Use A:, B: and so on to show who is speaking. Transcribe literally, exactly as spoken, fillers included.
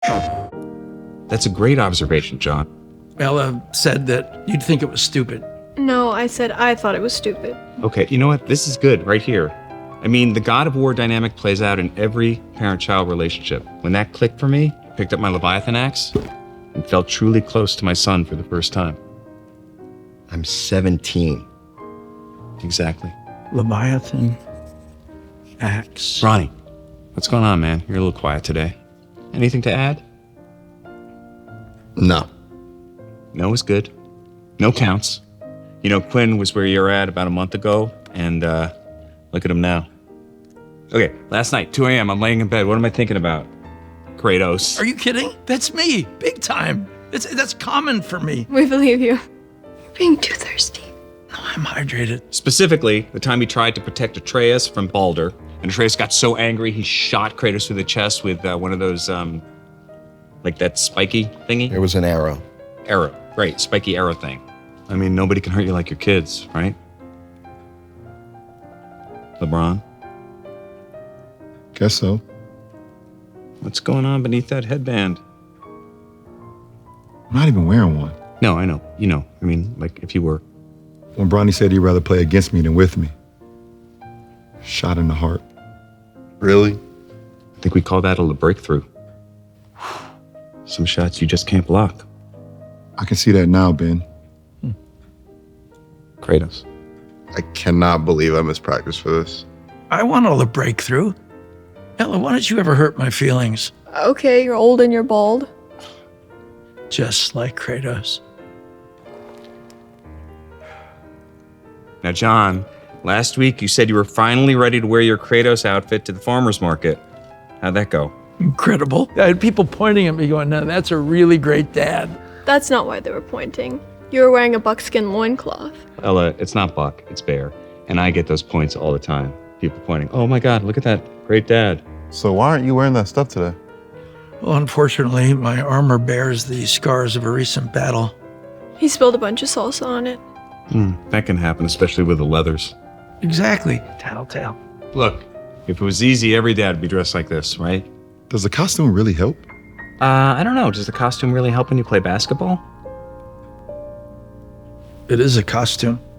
A: That's a great observation, John.
B: Ella said that you'd think it was stupid.
C: No, I said I thought it was stupid.
A: Okay, you know what? This is good right here. I mean, the God of War dynamic plays out in every parent-child relationship. When that clicked for me, I picked up my Leviathan axe and felt truly close to my son for the first time.
D: I'm seventeen.
A: Exactly.
B: Leviathan axe.
A: Ronnie, what's going on, man? You're a little quiet today. Anything to add?
D: No.
A: No is good. No counts. You know, Quinn was where you're at about a month ago, and uh, look at him now. Okay, last night, two a.m., I'm laying in bed. What am I thinking about? Kratos.
B: Are you kidding? That's me, big time. It's, that's common for me.
C: We believe you. You're being too thirsty.
B: No, I'm hydrated.
A: Specifically, the time he tried to protect Atreus from Baldur, and Atreus got so angry he shot Kratos through the chest with uh, one of those, um, like that spiky thingy?
D: It was an arrow.
A: Arrow, right, spiky arrow thing. I mean, nobody can hurt you like your kids, right? LeBron?
E: Guess so.
A: What's going on beneath that headband?
E: I'm not even wearing one.
A: No, I know. You know. I mean, like, if you were.
E: When Bronny said he'd rather play against me than with me. Shot in the heart.
D: Really?
A: I think we call that a breakthrough. Some shots you just can't block.
E: I can see that now, Ben.
A: Kratos.
D: I cannot believe I missed practice for this.
B: I want all the breakthrough. Ella, why don't you ever hurt my feelings?
C: Okay, you're old and you're bald.
B: Just like Kratos.
A: Now, John, last week you said you were finally ready to wear your Kratos outfit to the farmer's market. How'd that go?
B: Incredible. I had people pointing at me going, no, that's a really great dad.
C: That's not why they were pointing. You were wearing a buckskin loincloth.
A: Ella, it's not Buck, it's Bear. And I get those points all the time. People pointing, oh my God, look at that great dad.
F: So why aren't you wearing that stuff today?
B: Well, unfortunately, my armor bears the scars of a recent battle.
C: He spilled a bunch of salsa on it.
A: Hmm, that can happen, especially with the leathers.
B: Exactly. Tattletale.
A: Look, if it was easy, every dad would be dressed like this, right?
E: Does the costume really help?
A: Uh, I don't know. Does the costume really help when you play basketball?
B: It is a costume.